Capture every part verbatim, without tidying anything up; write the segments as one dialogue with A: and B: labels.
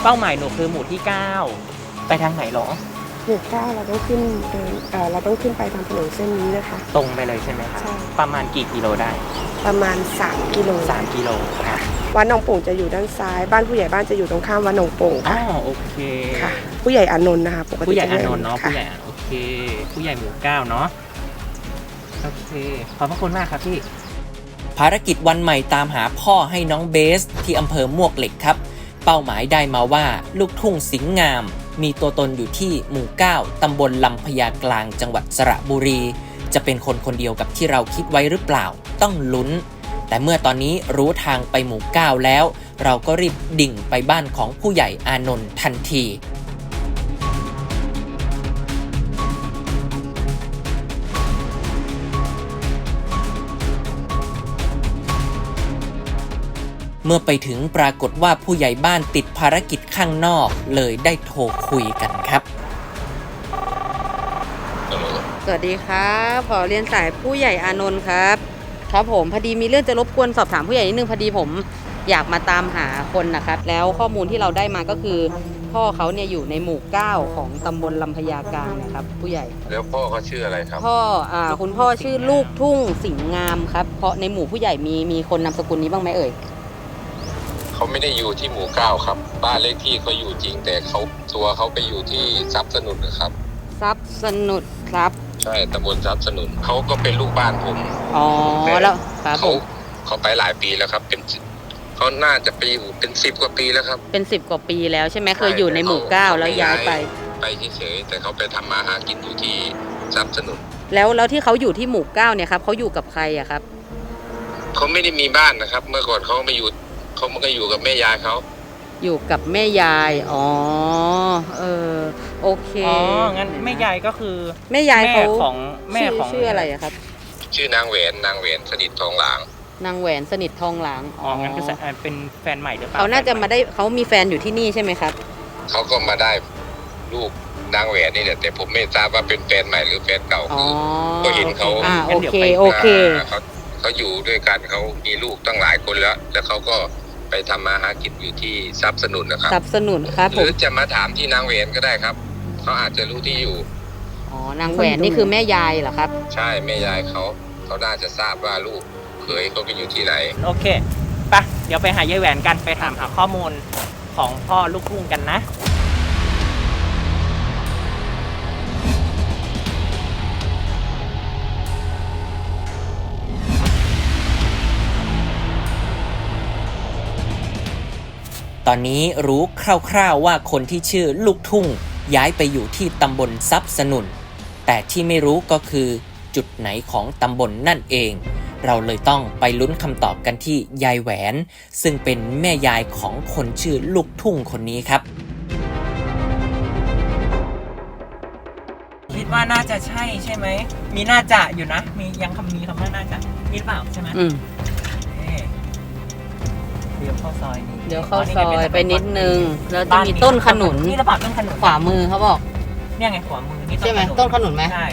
A: เป้าหมายหนูคือหมู่ที่เก้าไปทางไหนหรอ
B: หมู่เก้าเราต้องขึ้นเดินเอ่อเราต้องขึ้นไปทางถนนเส้นนี้นะคะ
A: ตรงไปเลยใช่ไหมคะ
B: ใช่
A: ประมาณกี่กิโลได้
B: ประมาณสามกิโล
A: สามกิโลค่ะ
B: วัดหนองโป่งจะอยู่ด้านซ้ายบ้านผู้ใหญ่บ้านจะอยู่ตรงข้ามวัดหนองโป่ง
A: อ๋อ
B: ค่ะ
A: โอเค
B: ค่ะผู้ใหญ่อานนท์นะคะปกติ
A: ผู้ใหญ่อานนท์เนาะผู้ใหญ่โอเคผู้ใหญ่หมู่เก้าเนาะโอเคขอบพระคุณมากครับพี่ภารกิจวันใหม่ตามหาพ่อให้น้องเบสที่อำเภอมวกเหล็กครับเป้าหมายได้มาว่าลูกทุ่งสิงห์งามมีตัวตนอยู่ที่หมู่เก้าตำบลลำพญากลางจังหวัดสระบุรีจะเป็นคนคนเดียวกับที่เราคิดไว้หรือเปล่าต้องลุ้นแต่เมื่อตอนนี้รู้ทางไปหมู่เก้าแล้วเราก็รีบดิ่งไปบ้านของผู้ใหญ่อานนท์ทันทีเมื่อไปถึงปรากฏว่าผู้ใหญ่บ้านติดภารกิจข้างนอกเลยได้โทรคุยกันครับ
C: สวัสดีครับขอเรียนสายผู้ใหญ่อานนท์ครับครับผมพอดีมีเรื่องจะรบกวนสอบถามผู้ใหญ่นิดนึงพอดีผมอยากมาตามหาคนนะครับแล้วข้อมูลที่เราได้มาก็คือพ่อเขาเนี่ยอยู่ในหมู่เก้าของตำบลลำพญากลางนะครับผู้ใหญ่
D: แล้วพ่อเขาชื่ออะไรครับ
C: พ่ออ่าคุณพ่อชื่อลูกทุ่งสิงห์งามครับเพราะในหมู่ผู้ใหญ่มีมีคนนามสกุลนี้บ้างไหมเอ่ย
D: เขาไม่ได้อยู่ที่หมู่เก้าครับบ้านเลขที่เขาอยู่จริงแต่เขาตัวเขาไปอยู่ที่ทรัพย์สนุนนะครับ
C: ทรัพย์สนุนครับ
D: ใช่ตำบลทรัพย์สนุนเขาก็เป็นลูกบ้านผม
C: อ๋อแล้วครับ
D: เขาเขาไปหลายปีแล้วครับเป็นเขาน่าจะไปอยู่เป็นสิบกว่าปีแล้วครับ
C: เป็นสิบกว่าปีแล้วใช่ไหมเคยอยู่ในหมู่เก้าแล้วย้ายไป
D: ไปเฉยๆแต่เขาไปทำมาหากินอยู่ที่ทรัพย์สนุน
C: แล้วแล้วที่เขาอยู่ที่หมู่เก้าเนี่ยครับเขาอยู่กับใครอะครับ
D: เขาไม่ได้มีบ้านนะครับเมื่อก่อนเขาไม่อยู่เขามันก็อยู่กับแม่ยายเขา
C: อยู่กับแม่ยายอ๋อเออโอเค
A: อ๋องั้นแม่ยายก็คือ
C: แม่ยายเขา
A: ของแม่ของ
C: ชื่ออะไรอะครับ
D: ชื่อนางแหวนนางแหวนสนิททองหลาง
C: นางแหวนสนิททองหลาง
A: อ๋องั้นก็เป็นแฟนใหม่หรือเปล่า
C: เขาน่าจะมาได้เขามีแฟนอยู่ที่นี่ใช่ไหมครับ
D: เขาก็มาได้ลูกนางแหวนนี่แหละแต่ผมไม่ทราบว่าเป็นแฟนใหม่หรือแฟนเก่าคือก็เห็นเขา
C: อ่าโอเคโอเค
D: เขาเขาอยู่ด้วยกันเขามีลูกตั้งหลายคนแล้วแล้วเขาก็ไปทำมาหากินอยู่ที่ทรัพย์สนุนนะครับ
C: ทรัพย์สนุนครับ
D: หรือจะมาถามที่นางแหวนก็ได้ครับเขาอาจจะรู้ที่อยู่
C: อ๋อนางแหวนนี่คือแม่ยายเหรอครับ
D: ใช่แม่ยายเขาเขาน่าจะทราบว่าลูกเขยเขาไปอยู่ที่ไหน
A: โอเคไปเดี๋ยวไปหายายแหวนกันไปถามหาข้อมูลของพ่อลูกทุ่งกันนะตอนนี้รู้คร่าวๆว่าคนที่ชื่อลูกทุ่งย้ายไปอยู่ที่ตำบลทรัพย์สนุนแต่ที่ไม่รู้ก็คือจุดไหนของตำบลนั่นเองเราเลยต้องไปลุ้นคำตอบกันที่ยายแหวนซึ่งเป็นแม่ยายของคนชื่อลูกทุ่งคนนี้ครับคิดว่าน่าจะใช่ใช่ไหมมีน่าจะอยู่นะมียังคำมีคำว่าน่าจะคิดเปล่าใช่ไหม
C: อืม
A: เดี๋ยวเข้าซอยนี้
C: เดี๋ยวเข้าซอยไปนิดนึงแล้วจะมีต้นขนุน
A: นี่ระบาดต้นขนุน
C: ขวามือเขาบอก
A: เนี่ยไงขวามือนี่
C: ใช่ไหมต้นขนุนไหม
A: ใช่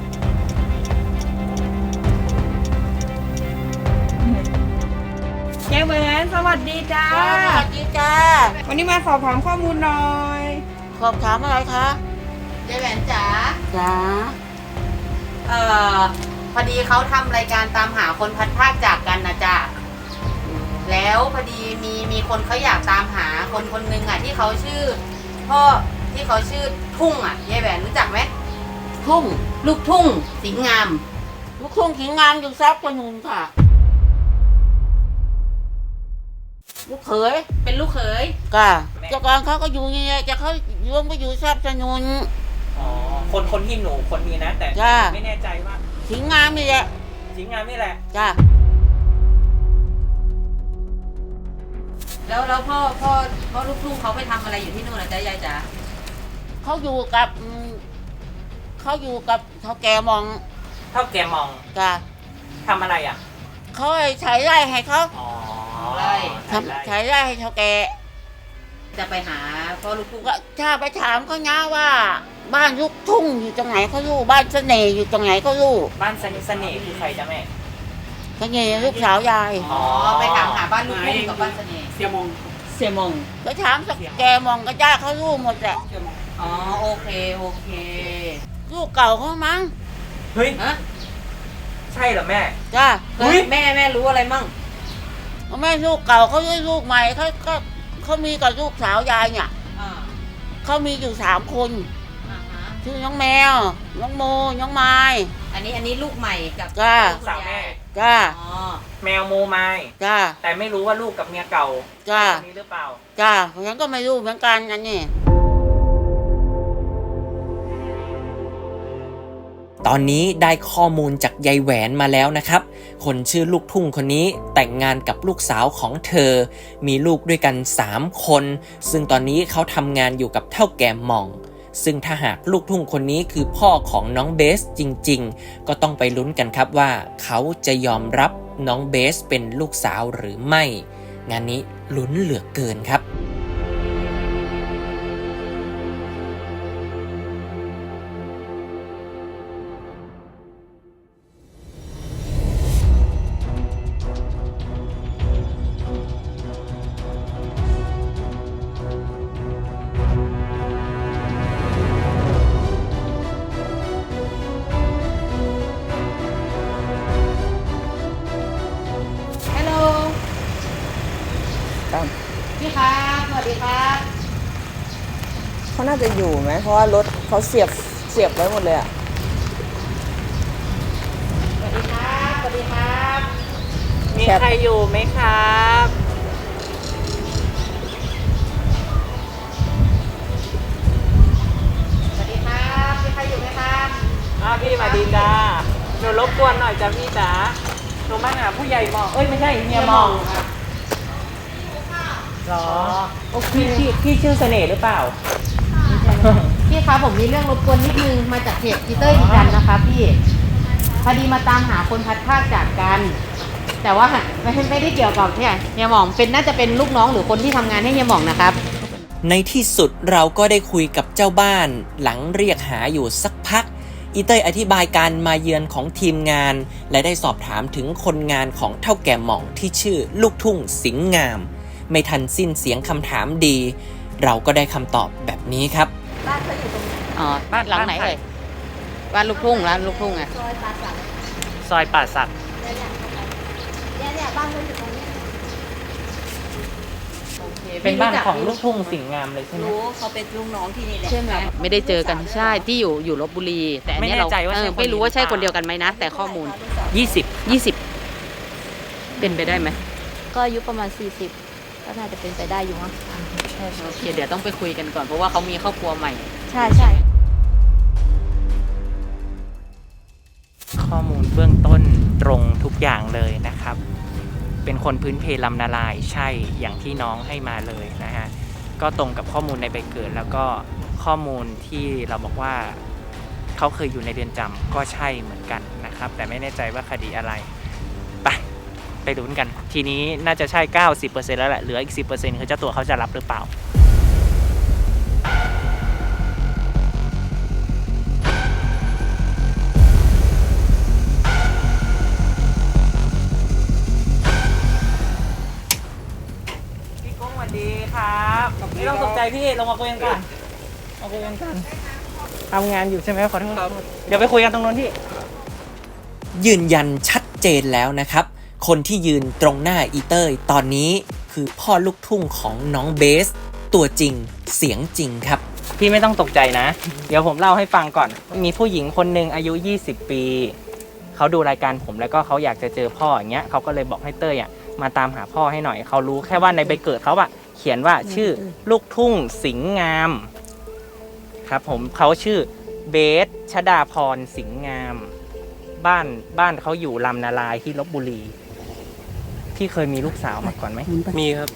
A: ยายแหวนสวัสดีจ้า
C: สวัสดีจ้า
A: วันนี้มาสอบถามข้อมูลหน่อย
C: สอบถามอะไรคะยายแหวนจ๋าจ๋าเอ่อพอดีเขาทำรายการตามหาคนพัดพรากจากกันนะจ๊ะแล้วพอดีมีมีคนเขาอยากตามหาคนคนหนึ่งอ่ะที่เขาชื่อพ่อที่เขาชื่อทุ่งอ่ะยายแหวนรู้จักไหมทุ่งลูกทุ่งสิงห์งามลูกทุ่งสิงห์งามอยู่ทรัพย์สนุนค่ะลูกเขยเป็นลูกเขยก็เจ้าของเขาก็อยู่นี่จะเขาโยมก็อยู่ทรัพย์สนุน
A: อ๋อคนคนที่หนูคนนี้นะแต่ไม่แน่ใจว่า
C: สิงห์งามนี่แหละ
A: สิงห์งามนี่แหละ
C: จ้าแล้วแล้วพ่อพ่อพ่อลูกทุ่งเขาไปทำอะไรอยู่ที่นู่นนะจ๊ะยายจ๋าเขาอยู่กับเขาอยู่กับเท่าแกมอง
A: เท่าแกมอง
C: จ้า
A: ทำอะไรอ่ะ
C: เขาใช้ไร่ให้เขา
A: อ๋อ
C: ไร่ทำใช้ไร่ให้เท่าแกจะไปหาพ่อลูกทุ่งก็ถ้าไปถามเขานะว่าบ้านลูกทุ่งอยู่ตรงไหนเขารู้บ้านเสน่ห์อยู่ตรงไหนเขารู้
A: บ้านเสน่ห์คือใครจ๊ะแม่
C: เสน่ห์ลูกสาวยาย
A: อ๋อ
C: ไปถามหาบ้านลูกทุ่งกับบ้านเสน่ห์
A: เสี่ยมง
C: เ
E: เสียมอง
C: ก็ถามสักแกมองก็จ้าเขารู้หมดแหละ อ๋อโอเคโอเคลูกเก่าเขามั้ง
A: เฮ้ย
C: ฮะ
A: ใช่เหรอแม่
C: จ้า
A: เฮ้ย
C: แม่แม่รู้อะไรมั่งแม่ลูกเก่าเขาด้วยลูกใหม่เขาก็เขามีกับลูกสาวยายเนี่ยเขามีอยู่สามคนชื่อน้องแมวน้องโมน้องไม้
E: อันนี้อันนี้ลูกใหม่กับ
C: จ้า
A: ลูกสาวแม่
C: จ้า
E: อ๋อ
A: แมวโมไม
C: จ้า
A: แต่ไม่รู้ว่าลูกกับเมียเก่า
C: จ้า
A: คนนี้หรือเปล่า
C: จ้าฉันก็ไม่รู้เหมือนกันอันนี้
A: ตอนนี้ได้ข้อมูลจากยายแหวนมาแล้วนะครับ คนชื่อลูกทุ่งคนนี้แต่งงานกับลูกสาวของเธอ มีลูกด้วยกันสามคน ซึ่งตอนนี้เขาทำงานอยู่กับเท่าแก่หม่อง ซึ่งถ้าหากลูกทุ่งคนนี้คือพ่อของน้องเบสจริงๆ ก็ต้องไปลุ้นกันครับว่าเขาจะยอมรับน้องเบสเป็นลูกสาวหรือไม่ งานนี้ลุ้นเหลือเกินครับ
C: ฮัลโหลพี่ครับสวัสดีครับ
B: เขาน่าจะอยู่ไหม เพราะว่ารถเขาเสียบเสียบไว้หมดเลยอะ
C: สวัสดีครับสวัสดีครับ
A: มีใครอยู่ไหมครับ
C: สวัสดีครับมีใครอยู่ไหมครับ
A: อ้าวพี่มาดีจ้าหนูรบกวนหน่อยจ้ะพี่จ๋าหนูมาหาผู้ใหญ่หมองเอ้ยไม่ใช่เมียหมองหรอโอ้พี่พี่พี่ชื่อเสน่ห์หรือเปล่า
E: พี่คะผมมีเรื่องรบกวนนิดนึงมาจากเพจพีเตอร์อีจันนะคะพี่พอดีมาตามหาคนพัดภาคจากกัน แต่ว่าไม่ไม่ได้เกี่ยวกับเนี่ยเฮียหม่องเป็นน่าจะเป็นลูกน้องหรือคนที่ทำงานให้เฮียหม่องนะครับ
A: ในที่สุดเราก็ได้คุยกับเจ้าบ้านหลังเรียกหาอยู่สักพัก อีเต้ยอธิบายการมาเยือนของทีมงาน และได้สอบถามถึงคนงานของเท่าแก่หม่องที่ชื่อลูกทุ่งสิงห์งาม ไม่ทันสิ้นเสียงคำถามดี เราก็ได้คำตอบแบบนี้ครับ
C: อ๋อบ้านหลังไหนเลยบ้านลูกทุ่งร้านลูกทุ่งอะ
A: ซอยป่าสัก เป็นบ้านของลูกทุ่งสิงห์งามเลยใช่ไหม
E: รู้เขาเป็นลูกน้องที่นี่แหละ
C: ใช่ไหมไม่ได้เจอกันใช่ที่อยู่อยู่ลบบุรี แต่อันเนี้ยเรา
A: ไม่แน่ใจว่าใช่
C: เออ
A: คน
C: ไม่รู้ว่าใช่
A: หรือเป
C: ค
A: ล่า
C: นเดียวกันไหมนะ แต่ข้อมูล
A: ยี่สิบ
C: ยี่สิบเป็นไปได้ไหม
F: ก็อายุประมาณ สี่สิบ ก็น่าจะเป็นไปได้อยู่มั้ง
C: โอเคเดี๋ยวต้องไปคุยกันก่อนเพราะว่าเขามีครอบครัวใหม่
F: ใช่ใช่
A: ข้อมูลเบื้องต้นตรงทุกอย่างเลยนะครับ เป็นคนพื้นเพลำนาลายใช่อย่างที่น้องให้มาเลยนะฮะ ก็ตรงกับข้อมูลในใบเกิด แล้วก็ข้อมูลที่เราบอกว่าเขาเคยอยู่ในเรือนจำก็ใช่เหมือนกันนะครับ แต่ไม่แน่ใจว่าคดีอะไร ไปไปลุ้นกัน ทีนี้น่าจะใช่ เก้าสิบเปอร์เซ็นต์ แล้วแหละ เหลืออีก สิบเปอร์เซ็นต์ คือเจ้าตัวเขาจะรับหรือเปล่า พี่กุ้งสวัสดีครับไม่ต้องตกใจพี่ลงมาคุยกันก่อนมาคุยกันก่อนทำงานอยู่ใช่ไหมขอโทษเดี๋ยวไปคุยกันตรงนู้นที่ยืนยันชัดเจนแล้วนะครับ คนที่ยืนตรงหน้าอีเต้ยตอนนี้คือพ่อลูกทุ่งของน้องเบส ตัวจริงเสียงจริงครับ พี่ไม่ต้องตกใจนะ เดี๋ยวผมเล่าให้ฟังก่อน มีผู้หญิงคนหนึ่งอายุยี่สิบปีเขาดูรายการผมแล้วก็เขาอยากจะเจอพ่ออย่างเงี้ยเขาก็เลยบอกให้เต้ยอ่ะมาตามหาพ่อให้หน่อยเขารู้แค่ว่าในใบเกิดเขาอะเขียนว่าชื่อลูกทุ่งสิงห์งามครับผมเขาชื่อเบสชดาพรสิงห์งาม บ้านบ้านเขาอยู่ลำนาลายที่ลพบุรีพี่เคยมีลูกสาวมาก่อนไหมมีครับ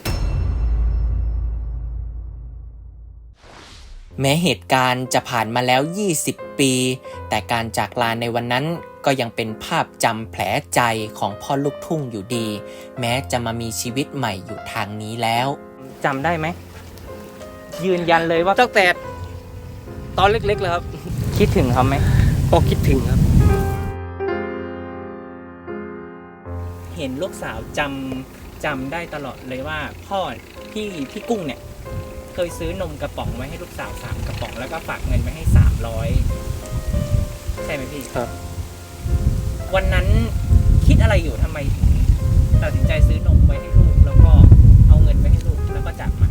A: แม้เหตุการณ์จะผ่านมาแล้วยี่สิบปี แต่การจากลาในวันนั้นก็ยังเป็นภาพจำแผลใจของพ่อลูกทุ่งอยู่ดี แม้จะมามีชีวิตใหม่อยู่ทางนี้แล้วจำได้ไหมยืนยันเลยว่า
G: ตั้งแต่ตอนเล็กๆเลยครับ
A: คิดถึงเขาไหม
G: ก็คิดถึงครับ
A: เห็นลูกสาวจำจำได้ตลอดเลยว่าพ่อพี่พี่กุ้งเนี่ยเคยซื้อนมกระป๋องไว้ให้ลูกสาวสามกระป๋องแล้วก็ฝากเงินไว้ให้สามร้อยใช่ไหมพี่
G: ครับ
A: วันนั้นคิดอะไรอยู่ทำไมถึงตัดสินใจซื้อนมไว้ให้ลูกแล้วก็เอาเงินไว้ให้ลูกแล้วก็จากมา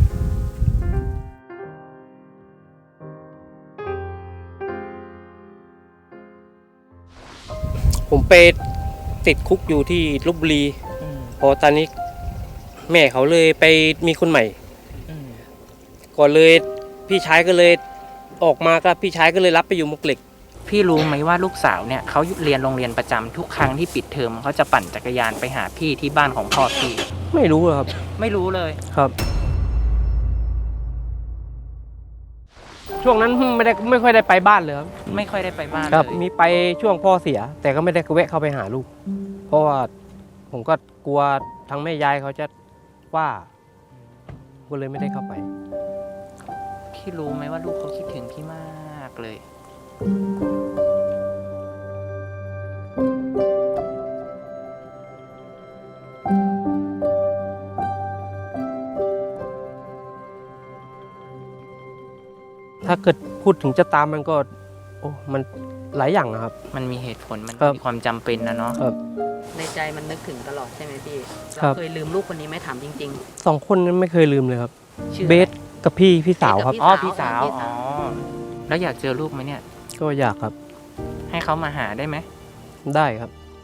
G: ผมไปติดคุกอยู่ที่ลพบุรี
A: อืม
G: พอตอนนี้แม่เขาเลยไปมีคนใหม่
A: อืม
G: ก่อนเลยพี่ชายก็เลยออกมาก็พี่ชายก็เลยรับไปอยู่มวกเหล็ก
A: พี่รู้ไหมว่าลูกสาวเนี่ยเขาเรียนโรงเรียนประจำทุกครั้งที่ปิดเทอมเขาจะปั่นจักรยานไปหาพี่ที่บ้านของพ่อพี่
G: ไม่รู้หรอกครับ
A: ไม่รู้เลย
G: ครับ ช่วงนั้นไม่ได้ไม่ค่อยได้ไปบ้านเลยครับ
A: ไม่ค่อยได้ไปบ้าน
G: ครับ
A: เลย
G: มีไปช่วงพ่อเสีย แต่ก็ไม่ได้แวะเข้าไปหาลูก เพราะว่าผมก็กลัวทางแม่ยายเขาจะว่าก็เลยไม่ได้เข้าไป
A: พี่รู้ไหมว่าลูกเขาคิดถึงพี่มากเลย
G: ถ้าเกิดพูดถึงจะตามมันก็ โอ้มันหลายอย่างนะครับ
A: มันมีเหตุผลมัน
G: ครับ
A: มีความจำเป็นนะเนาะ
G: ครับ
E: ในใจมันนึกถึงตลอดใช่ไหมพี่
G: ครั
E: เรา
G: บ
E: เคยลืมลูกคนนี้ไหมถามจริง
G: สองคนนั้นไม่เคยลืมเลยครับ
E: ๆ ชื่อ
G: เบสกับพี่พี่สาวครับ
A: อ๋อ
E: พี่
A: พี่สา
E: สาว ว
A: อ๋อแล้วอยากเจอลูกไหมเนี่ย
G: ก็อยากครับ
A: ให้เขามาหาได้ไหม
G: ได้ครับ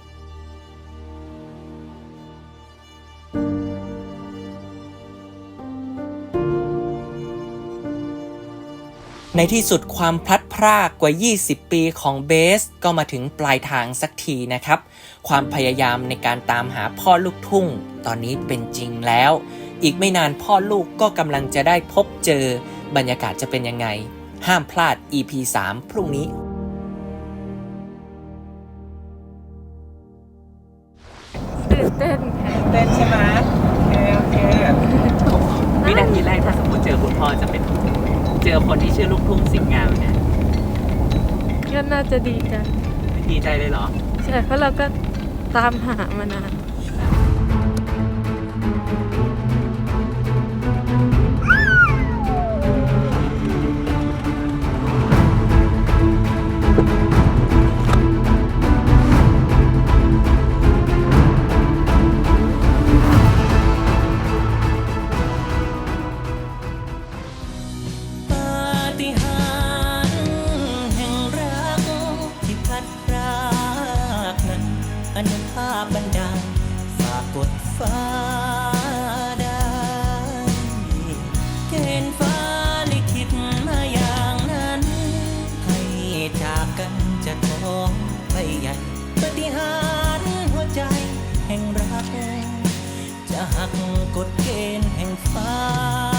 A: ในที่สุดความพลัดพรากกว่า ยี่สิบ ปีของเบสก็มาถึงปลายทางสักทีนะครับ ความพยายามในการตามหาพ่อลูกทุ่งตอนนี้เป็นจริงแล้ว อีกไม่นานพ่อลูกก็กำลังจะได้พบเจอบรรยากาศจะเป็นยังไง ห้ามพลาด อี พี สาม พรุ่งนี้
B: ตื่นเต้นค่ะ
A: เต้นใช่ไหมโอเคโอเควินาทีแรกถ้าสมมติเจอคุณพ่อจะเป็นเจอคนที่ชื่อลูกทุ่งสิงห์งามเนี่ย
B: ก็น่าจะดีใจ
A: ดีใจเลยเหรอ
B: ใช่เพราะเราก็ตามหามานาน
A: ปาฏิหาริย์แห่งรักที่พัดพรากนั้นอนุภาพบันดาลฝากกดฟ้าได้เกณฑ์ฟ้าลิขิตมาอย่างนั้น ให้จากกันจะท้องไปใหญ่ปาฏิหาริย์หัวใจแห่งรัก จะหักกฎเกณฑ์แห่งฟ้า